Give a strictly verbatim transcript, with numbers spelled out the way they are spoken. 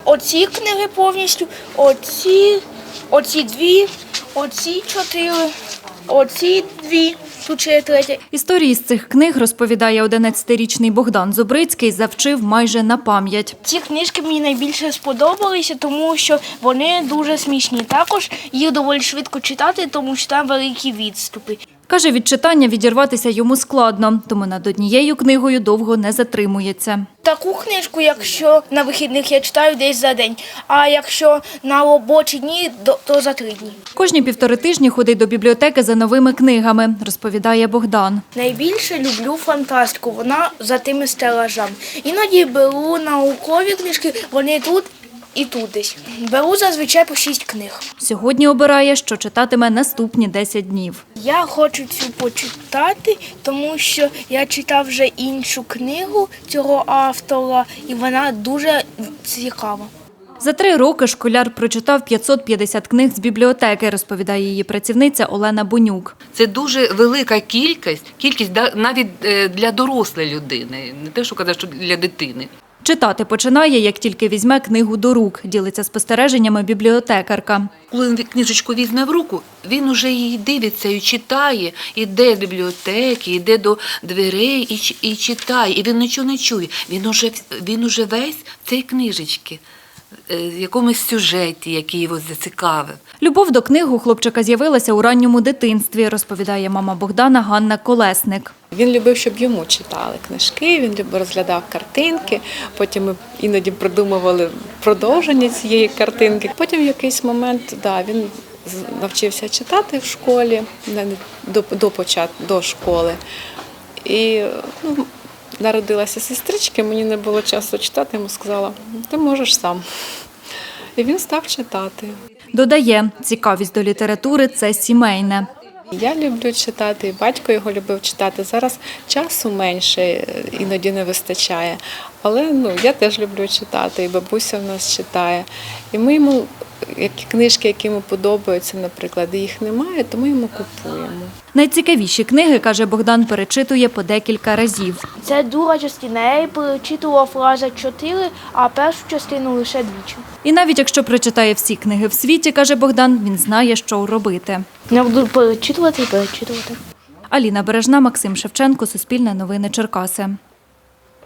оці книги повністю, оці, оці дві, оці чотири, оці дві. Тут ще є третя. Історії з цих книг, розповідає одинадцятирічний Богдан Зубрицький, завчив майже на пам'ять. Ці книжки мені найбільше сподобалися, тому що вони дуже смішні. Також їх доволі швидко читати, тому що там великі відступи. Каже, від читання відірватися йому складно, тому над однією книгою довго не затримується. Таку книжку, якщо на вихідних я читаю десь за день, а якщо на робочі дні, то за три дні. Кожні півтори тижні ходить до бібліотеки за новими книгами, розповідає Богдан. Найбільше люблю фантастику, вона за тими стелажами. Іноді беру наукові книжки, вони тут і тут десь. Беру зазвичай по шість книг. Сьогодні обирає, що читатиме наступні десять днів. Я хочу цю почитати, тому що я читав вже іншу книгу цього автора, і вона дуже цікава. За три роки школяр прочитав п'ятсот п'ятдесят книг з бібліотеки, розповідає її працівниця Олена Бонюк. Це дуже велика кількість, кількість навіть для дорослої людини, не те, що казати, що для дитини. Читати починає, як тільки візьме книгу до рук, ділиться спостереженнями бібліотекарка. Коли він книжечку візьме в руку, він уже її дивиться і читає, іде до бібліотеки, йде до дверей і, і читає, і він нічого не чує. Він уже, він уже весь в цій книжечці, в якомусь сюжеті, який його зацікавив. Любов до книг у хлопчика з'явилася у ранньому дитинстві, розповідає мама Богдана Ганна Колесник. Він любив, щоб йому читали книжки, він розглядав картинки, потім ми іноді придумували продовження цієї картинки. Потім в якийсь момент да, він навчився читати в школі, до, до, початку, до школи. І ну, народилася сестричка, мені не було часу читати, йому сказала, ти можеш сам. І він став читати. Додає, цікавість до літератури – це сімейне. Я люблю читати, і батько його любив читати. Зараз часу менше, іноді не вистачає. Але ну, я теж люблю читати, і бабуся в нас читає. І ми йому, які книжки, які йому подобаються, наприклад, і їх немає, то ми йому купуємо. Найцікавіші книги, каже Богдан, перечитує по декілька разів. Це друга частина. Я її перечитував рази чотири, а першу частину лише двічі. І навіть якщо прочитає всі книги в світі, каже Богдан, він знає, що робити. Я буду перечитувати і перечитувати. Аліна Бережна, Максим Шевченко, Суспільне новини, Черкаси.